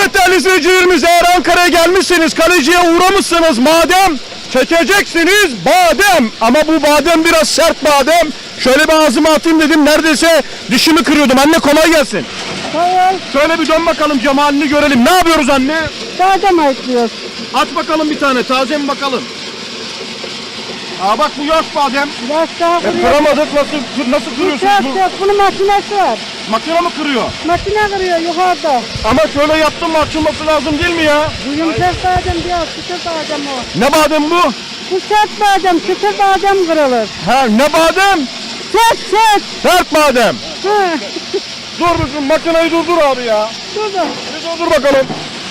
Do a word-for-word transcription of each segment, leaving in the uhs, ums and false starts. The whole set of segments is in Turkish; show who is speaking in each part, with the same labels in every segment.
Speaker 1: Evet değerli izleyicilerimiz, eğer Ankara'ya gelmişseniz, kaleciye uğramışsınız madem, çekeceksiniz badem. Ama bu badem biraz sert badem. Şöyle bir ağzıma atayım dedim, neredeyse dişimi kırıyordum. Anne kolay gelsin.
Speaker 2: Hayır,
Speaker 1: Şöyle bir dön bakalım, cemalini görelim. Ne yapıyoruz anne?
Speaker 2: badem ayıklıyoruz.
Speaker 1: Aç bakalım bir tane, taze mi bakalım? Aa bak, bu yaş badem.
Speaker 2: Yaş daha
Speaker 1: E,
Speaker 2: kırıyor.
Speaker 1: kıramadık, nasıl, nasıl kırıyorsunuz
Speaker 2: Çok
Speaker 1: bu?
Speaker 2: çok, bunun makinesi var.
Speaker 1: Makine mi kırıyor?
Speaker 2: Makine kırıyor yukarıda.
Speaker 1: Ama şöyle yaptım mı açılması lazım değil mi ya?
Speaker 2: Bu yumuşak badem diyor, çıtır badem o.
Speaker 1: Ne badem bu?
Speaker 2: Bu sert badem, çıtır badem kırılır.
Speaker 1: Ha, ne badem?
Speaker 2: Sert sert.
Speaker 1: Sert badem.
Speaker 2: Ha.
Speaker 1: Dur bizim makineyi durdur abi ya.
Speaker 2: Dur da.
Speaker 1: Bir durdur bakalım.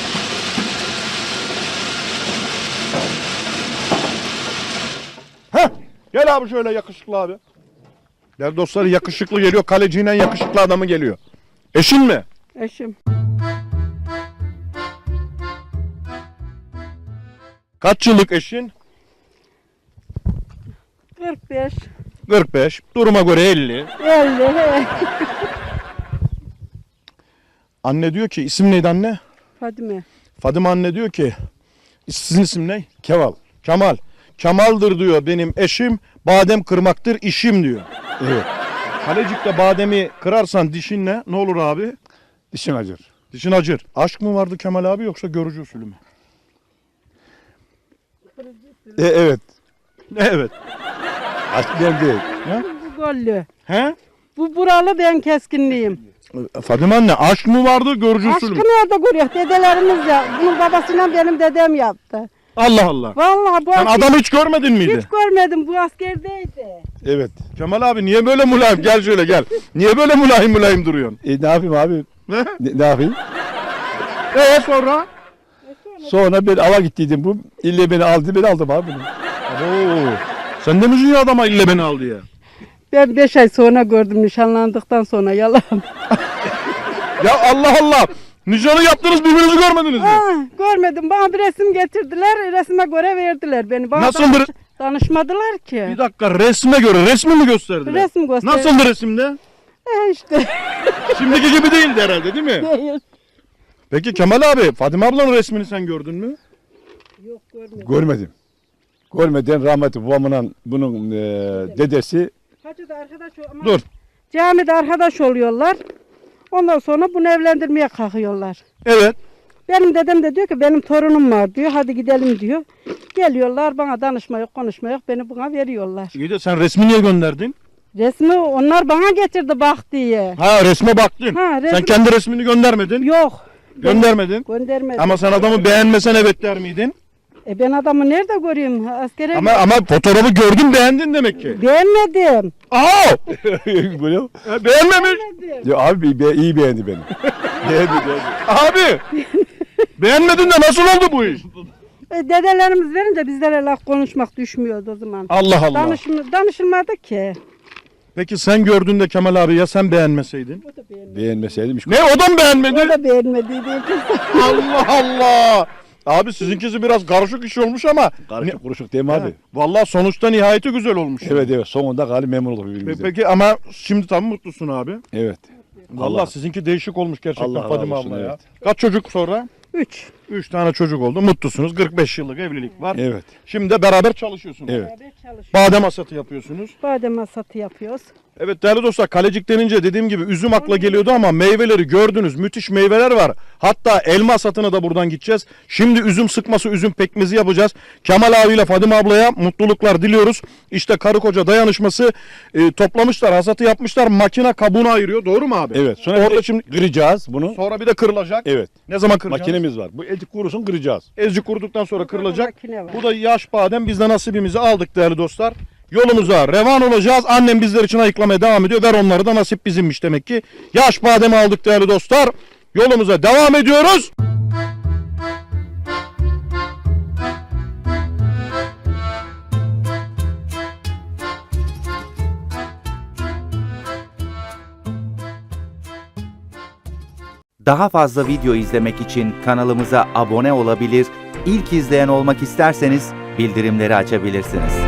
Speaker 1: Heh. Gel abi şöyle yakışıklı abi. Değerli dostlar, yakışıklı geliyor. Kalecinin yakışıklı adamı geliyor. Eşin mi?
Speaker 2: Eşim.
Speaker 1: Kaç yıllık eşin?
Speaker 2: kırk beş.
Speaker 1: kırk beş. Duruma göre elli.
Speaker 2: elli. he.
Speaker 1: Anne diyor ki, isim neydi anne?
Speaker 2: Fadime.
Speaker 1: Fadime anne diyor ki, sizin isim ne? Kemal. Kemal. Kemal'dır diyor benim eşim, badem kırmaktır işim diyor.
Speaker 3: Evet.
Speaker 1: Kalecik'te bademi kırarsan dişinle ne olur abi?
Speaker 3: Dişin acır.
Speaker 1: Dişin acır. Aşk mı vardı Kemal abi, yoksa görücü usulü mü?
Speaker 3: E, evet.
Speaker 1: Evet.
Speaker 3: Aşk ben değil.
Speaker 2: Bu gollü.
Speaker 1: He?
Speaker 2: Bu buralı, ben keskinliyim.
Speaker 1: Fadime anne, aşk mı vardı, görücü
Speaker 2: Aşkı
Speaker 1: usulü mü?
Speaker 2: nerede görüyor? Dedelerimiz ya. Bunun babasıyla benim dedem yaptı.
Speaker 1: Allah Allah.
Speaker 2: Vallahi bu
Speaker 1: Sen
Speaker 2: asker-
Speaker 1: adamı hiç görmedin miydi?
Speaker 2: hiç görmedim. Bu askerdeydi.
Speaker 3: Evet.
Speaker 1: Kemal abi niye böyle mulayim? Gel şöyle gel. Niye böyle mulayim mulayim duruyorsun?
Speaker 3: E, ne yapayım abi?
Speaker 1: Ne?
Speaker 3: Ne, ne yapayım?
Speaker 1: Ee sonra?
Speaker 3: Sonra ben ava gittiydim bu. İlle beni aldı, ben aldım abi bunu.
Speaker 1: Oo. Sen de mi dünya adama ille beni al diye?
Speaker 2: Ben beş ay sonra gördüm, nişanlandıktan sonra, yalan.
Speaker 1: Ya Allah Allah. Nişanı yaptınız, birbirinizi görmediniz mi?
Speaker 2: Aa, görmedim. Bana bir resim getirdiler. Resme göre verdiler beni. Bana
Speaker 1: Nasıldır?
Speaker 2: danış- danışmadılar ki.
Speaker 1: Bir dakika, resme göre resmi mi gösterdiler?
Speaker 2: Resim gösterdi.
Speaker 1: Nasıldı resimde?
Speaker 2: E işte.
Speaker 1: Şimdiki gibi değildi herhalde, değil mi?
Speaker 2: Değil.
Speaker 1: Peki Kemal abi, Fadime ablanın resmini sen gördün mü?
Speaker 2: Yok, görmedim.
Speaker 3: Görmedim. Görmeden rahmetli babamla bunun e, dedesi
Speaker 2: Hacı da arkadaş ol- ama
Speaker 1: Dur.
Speaker 2: camide arkadaş oluyorlar. Ondan sonra bunu evlendirmeye kalkıyorlar.
Speaker 1: Evet.
Speaker 2: Benim dedem de diyor ki benim torunum var diyor. Hadi gidelim diyor. Geliyorlar, bana danışma yok, konuşma yok. Beni buna veriyorlar.
Speaker 1: İyi de sen resmi niye gönderdin?
Speaker 2: Resmi onlar bana getirdi bak diye.
Speaker 1: Ha, resme baktın.
Speaker 2: Ha,
Speaker 1: Sen
Speaker 2: resmi-
Speaker 1: kendi resmini göndermedin.
Speaker 2: Yok.
Speaker 1: Göndermedin.
Speaker 2: Göndermedim.
Speaker 1: Ama sen adamı beğenmesen evet der miydin?
Speaker 2: E ben adamı nerede göreyim? Askere
Speaker 1: Ama ama fotoğrafı gördün, beğendin demek ki.
Speaker 2: beğenmedim.
Speaker 1: Aa!
Speaker 3: böyle.
Speaker 1: E, beğenmemiş.
Speaker 2: Beğenmedim.
Speaker 3: Ya abi be, iyi beğendi beni. beğendi beğendi.
Speaker 1: Abi. Beğenmedin de nasıl oldu bu iş?
Speaker 2: E, dedelerimiz verince bizlere laf konuşmak düşmüyordu o zaman.
Speaker 1: Allah Allah.
Speaker 2: Danışım, danışılmadı ki.
Speaker 1: Peki sen gördüğünde Kemal abi, ya sen beğenmeseydin?
Speaker 2: O da beğenmedi.
Speaker 3: Beğenmeseydim hiç.
Speaker 1: Ne, o da mı beğenmedi?
Speaker 2: O da beğenmediydi.
Speaker 1: Allah Allah. Abi sizinkisi biraz karışık iş olmuş ama.
Speaker 3: Karışık kuruşuk değil mi abi?
Speaker 1: Vallahi sonuçta nihayeti güzel olmuş.
Speaker 3: Evet evet, sonunda galiba memnun olduk
Speaker 1: Pe-
Speaker 3: birbirimize.
Speaker 1: Peki ama şimdi tam mutlusun abi.
Speaker 3: Evet.
Speaker 1: Vallahi
Speaker 3: Allah-
Speaker 1: sizinki değişik olmuş gerçekten
Speaker 3: Allah razı
Speaker 1: Fadime
Speaker 3: olsun,
Speaker 1: abla ya.
Speaker 3: evet.
Speaker 1: Kaç çocuk sonra?
Speaker 2: Üç.
Speaker 1: Üç tane çocuk oldu. Mutlusunuz. kırk beş yıllık evlilik var.
Speaker 3: Evet.
Speaker 1: Şimdi de beraber çalışıyorsunuz.
Speaker 3: Evet.
Speaker 2: Beraber çalışıyoruz.
Speaker 1: Badem hasatı yapıyorsunuz.
Speaker 2: Badem hasatı yapıyoruz.
Speaker 1: Evet değerli dostlar, Kalecik denince dediğim gibi üzüm akla geliyordu ama meyveleri gördünüz. Müthiş meyveler var. Hatta elma hasatına da buradan gideceğiz. Şimdi üzüm sıkması, üzüm pekmezi yapacağız. Kemal abiyle Fadime ablaya mutluluklar diliyoruz. İşte karı koca dayanışması, e, toplamışlar, hasatı yapmışlar. Makine kabuğunu ayırıyor. Doğru mu abi?
Speaker 3: Evet. Sonra
Speaker 1: Orada
Speaker 3: orada
Speaker 1: şimdi
Speaker 3: şimdi kıracağız bunu.
Speaker 1: sonra bir de kırılacak.
Speaker 3: Evet.
Speaker 1: Ne zaman kıracağız?
Speaker 3: Makinemiz var. Bu ecik kurusun kıracağız.
Speaker 1: Ezci kuruduktan sonra kırılacak.
Speaker 2: Makine var.
Speaker 1: Bu da yaş badem. Biz de nasibimizi aldık değerli dostlar. Yolumuza revan olacağız. Annem bizler için ayıklamaya devam ediyor. Ver onları da, nasip bizimmiş demek ki. Yaş bademi aldık değerli dostlar. Yolumuza devam ediyoruz.
Speaker 4: Daha fazla video izlemek için kanalımıza abone olabilir, ilk izleyen olmak isterseniz bildirimleri açabilirsiniz.